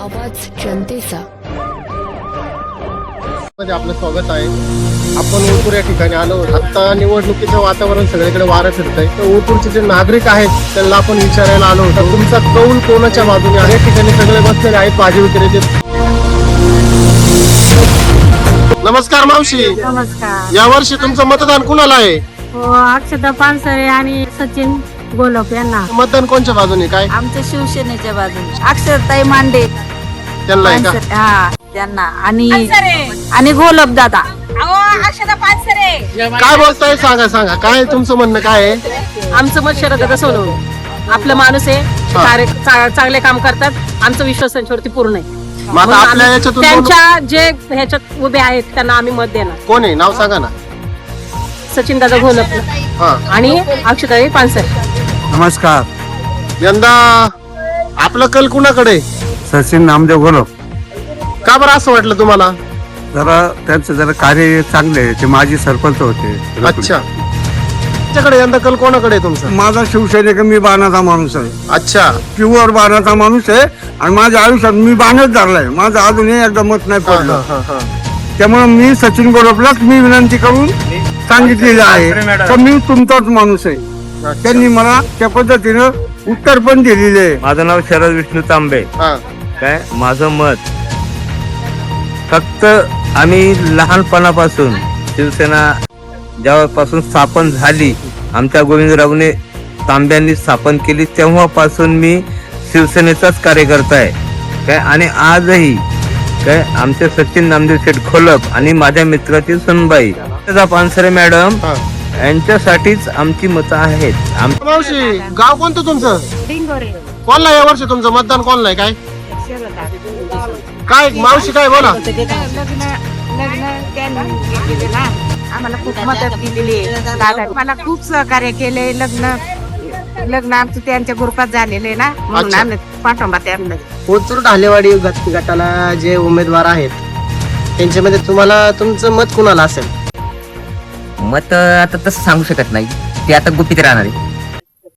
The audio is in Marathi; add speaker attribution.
Speaker 1: आवाज जनतेचा.
Speaker 2: आपलं स्वागत आहे. आपण ओतूर या ठिकाणी आलो. आता निवडणुकीचं वातावरण सगळीकडे वारं फिरतंय. तर ओतूरचे जे नागरिक आहेत त्यांना आपण विचारायला आलो होतो, तुमचा कौल कोणाच्या बाजूने आहे? या ठिकाणी सगळे बसलेले आहेत भाजी विक्रेते. नमस्कार मावशी.
Speaker 3: नमस्कार.
Speaker 2: या वर्षी तुमचं मतदान कुणाला आहे?
Speaker 3: हो, अक्षता पानसरे आणि सचिन गोलप यांना.
Speaker 2: मतदान कोणच्या बाजूने? काय
Speaker 4: आमच्या शिवसेनेच्या बाजूने अक्षरताई मांडे
Speaker 2: त्यांना आहे का?
Speaker 4: हा त्यांना आणि गोलप दादा. अक्षता पानसरे
Speaker 2: काय बोलताय? सांगा काय तुमचं म्हणणं काय आहे?
Speaker 5: आमचं मत शरद सोनवणे. आपलं माणूस आहे, चांगले काम करतात. आमचा विश्वास त्यांच्यावरती पूर्ण आहे.
Speaker 2: मग आता आपल्या याच्यातून
Speaker 5: त्यांच्या जे ह्याच्यात उभे आहेत त्यांना आम्ही मत देणार.
Speaker 2: कोण आहे? नाव सांगा ना.
Speaker 5: सचिन दादा घोलप
Speaker 2: हा.
Speaker 5: आणि अक्षताई पानसरे.
Speaker 6: नमस्कार.
Speaker 2: यंदा आपलं कल कुणाकडे?
Speaker 6: सचिन नामदेव घोलप.
Speaker 2: का बरं असं वाटलं तुम्हाला?
Speaker 6: जरा त्यांचं जरा कार्य चांगले आहे. ते माजी सरपंच होते.
Speaker 2: अच्छा, तुमच्याकडे यंदा कल कोणाकडे आहे तुमचा?
Speaker 6: माझा शिवसैनिक, मी बाणाचा माणूस आहे.
Speaker 2: अच्छा,
Speaker 6: प्युअर बाणाचा माणूस आहे आणि माझ्या आयुष्यात मी बाणच धरलाय. माझं अजूनही एकदा मत नाही पडलं. त्यामुळे मी सचिन घोलपलाच मी विनंती करून सांगितलेलं आहे तर मी तुमचाच माणूस आहे. त्यांनी मला त्या पद्धतीनं उत्तर पण दिलेले आहे.
Speaker 7: माझं नाव शरद विष्णू तांबे. काय माझं मत, फक्त आम्ही लहानपणापासून शिवसेना जेव्हापासून स्थापन झाली, आमच्या गोविंदरावने तांब्यांनी स्थापन केली, तेव्हापासून मी शिवसेनेचाच कार्यकर्ता आहे. काय आणि आजही काय आमचे सचिन नामदेव शेठ घोलप आणि माझ्या मित्राची सुनबाई पानसरे मॅडम यांच्यासाठीच आमची मतं आहेत.
Speaker 2: मावशी, गाव कोणतं तुमचं?
Speaker 3: डिंगोरे.
Speaker 2: कोणला या वर्षी तुमचं मतदान कोणला आहे? काय मावशी काय बोला?
Speaker 3: लग्न त्यांनी केले ना, आम्हाला खूप मदत दिलेली आहे. दादा मला खूप सहकार्य केले. लग्न आमचं त्यांच्या ग्रुपात झालेले ना, म्हणून
Speaker 2: अच्छा.
Speaker 3: आम्ही पाठिंबा त्यांना.
Speaker 8: ओतूर ढालेवाडी गटाला जे उमेदवार आहेत त्यांच्यामध्ये तुम्हाला तुमचं मत कुणाला असेल?
Speaker 9: मत आता तसं सांगू शकत नाही, ते आता गुपित राहणार आहे.